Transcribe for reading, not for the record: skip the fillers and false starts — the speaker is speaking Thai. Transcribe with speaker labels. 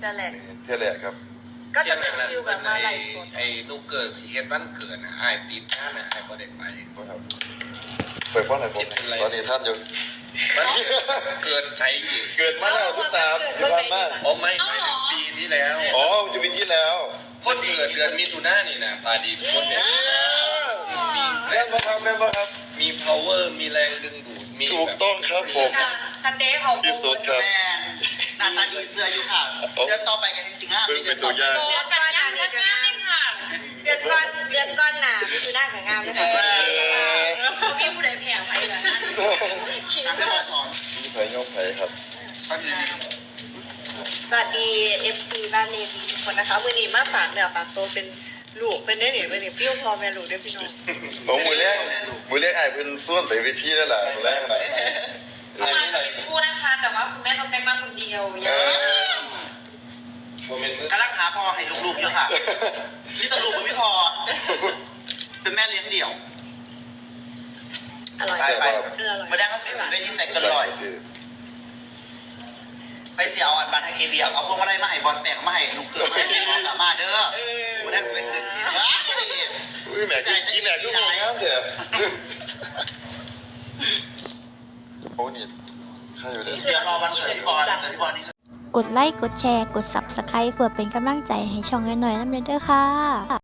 Speaker 1: อแรก
Speaker 2: เท่าแรกครับ
Speaker 1: ก็จะเป็นฟิลแบบมาไล่สด
Speaker 3: ไอ้ลูกเกิดสีเฮ็ดวันเกิดนะไอ้ติดท่านะไอ้บ่ได้ไป
Speaker 2: ครับเปิดป้อนไหนผมตอนนี้ท่านอยู่
Speaker 3: มันเกิดใช้อีก
Speaker 2: เกิดมาแล้วทุกสามที่บ้านมาก
Speaker 3: อ๋อไม่ถึงปีที่แล้ว
Speaker 2: อ๋อจะเป็นที่แล้ว
Speaker 3: คนเกิดเดือนมิถุนายนนี่นะตาดีคนเนี่ยมี
Speaker 2: แม่นบ่ครับแม่นบ่ครับ
Speaker 3: มี power มีแรงดึงดูดมี
Speaker 2: ถูกต้องครับผม
Speaker 4: ซันเดย์เขา
Speaker 2: ที่สุดครับ
Speaker 5: แม่หน้าตาดีเสื้ออยู่ค่ะเดือนต่อไปกันจริงๆ
Speaker 2: เป็นตัวอย่าง
Speaker 4: โตกันยังทักงานเลยค่ะ
Speaker 1: เดือนก้อนหนาพี่คือหน้ากับงามนะคะ
Speaker 4: เขามีผู้ใดแผ่ไปแบบนั้น
Speaker 1: ขิง
Speaker 5: น้ำ
Speaker 1: มา
Speaker 5: เสื้
Speaker 1: ก
Speaker 5: อช้อน
Speaker 2: มีไผ่ยกไผ่ครับ
Speaker 1: สวัสดี FC บ้านเนวีทุกคนนะคะวันนี้มาฝากเนื้อฝากตัวเป็นลูกเป็นได้หนิวันนี้ฟิวพอแม่ลูกได้พี่น้อง
Speaker 2: ผมมือแรกไอ้เป็นส่วนไปเวทีแล้วล่ะมือแรกนะ
Speaker 4: เขามาจะเป็นคู่นะคะ แต่ว่าคุณแม่ต้องแต่งมาคนเดียวยัง
Speaker 3: โมเมนต์
Speaker 5: กำลังหาพอให้ลูกๆอยู่ค่ะนี่สรุปมันไม่พอ เป็นแม่เลี้ยงเดี่ยว
Speaker 1: อร่อย
Speaker 5: ไปไป
Speaker 1: อร่อย
Speaker 5: มาแดงเขาจะเป็นเวทีใส่กันลอย ไปเสียเอาอันบัตรให้เอเบียเอาพวกมาไล่มาให้บอลแปลงมาให้ลูกเกิดมาให้น้องกลับมาเด้อมาแดงจะไปขึ้นที่
Speaker 2: อุ้ยแม่กินแม่ก็งงครับเถอะโอ้นี่ข้าอยู่เด้อ
Speaker 5: เดี๋ยวรอวันเกิดพี่บอลพี่บอลนี่
Speaker 6: กดไลค์ กดแชร์ กด Subscribe เพื่อเป็นกำลังใจให้ช่องน้อยๆน้ำเด้อค่ะ